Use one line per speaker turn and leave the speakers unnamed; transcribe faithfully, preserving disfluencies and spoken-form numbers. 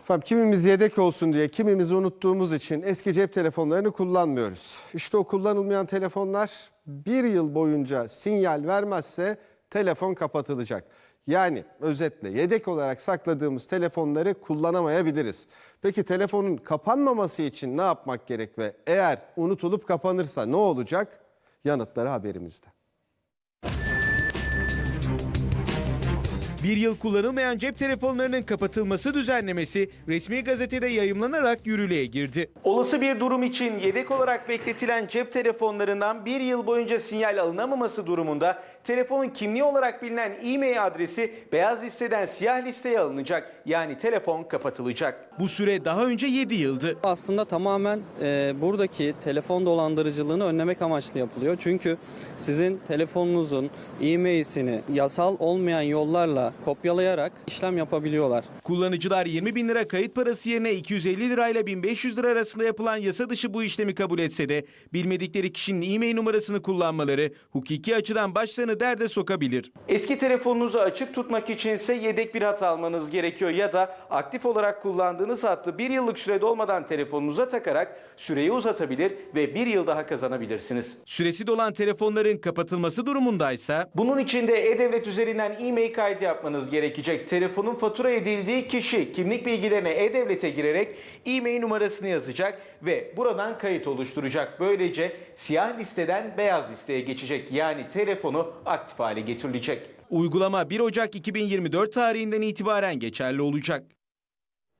Efendim, kimimiz yedek olsun diye, kimimiz unuttuğumuz için eski cep telefonlarını kullanmıyoruz. İşte o kullanılmayan telefonlar bir yıl boyunca sinyal vermezse telefon kapatılacak. Yani özetle yedek olarak sakladığımız telefonları kullanamayabiliriz. Peki telefonun kapanmaması için ne yapmak gerek ve eğer unutulup kapanırsa ne olacak? Yanıtları haberimizde.
Bir yıl kullanılmayan cep telefonlarının kapatılması düzenlemesi resmi gazetede yayımlanarak yürürlüğe girdi. Olası bir durum için yedek olarak bekletilen cep telefonlarından bir yıl boyunca sinyal alınamaması durumunda telefonun kimliği olarak bilinen e-mail adresi beyaz listeden siyah listeye alınacak. Yani telefon kapatılacak. Bu süre daha önce yedi yıldı.
Aslında tamamen e, buradaki telefon dolandırıcılığını önlemek amaçlı yapılıyor. Çünkü sizin telefonunuzun e-mail'sini yasal olmayan yollarla kopyalayarak işlem yapabiliyorlar.
Kullanıcılar yirmi bin lira kayıt parası yerine iki yüz elli lirayla bin beş yüz lira arasında yapılan yasa dışı bu işlemi kabul etse de bilmedikleri kişinin e-mail numarasını kullanmaları hukuki açıdan başlarını derde sokabilir. Eski telefonunuzu açık tutmak içinse yedek bir hat almanız gerekiyor ya da aktif olarak kullandığınız hattı bir yıllık sürede olmadan telefonunuza takarak süreyi uzatabilir ve bir yıl daha kazanabilirsiniz. Süresi dolan telefonların kapatılması durumundaysa bunun için de E-Devlet üzerinden e-mail kaydı yapmanız gerekecek. Telefonun fatura edildiği kişi kimlik bilgilerine E-Devlet'e girerek e-mail numarasını yazacak ve buradan kayıt oluşturacak. Böylece siyah listeden beyaz listeye geçecek. Yani telefonu aktif hale getirilecek. Uygulama bir Ocak iki bin yirmi dört tarihinden itibaren geçerli olacak.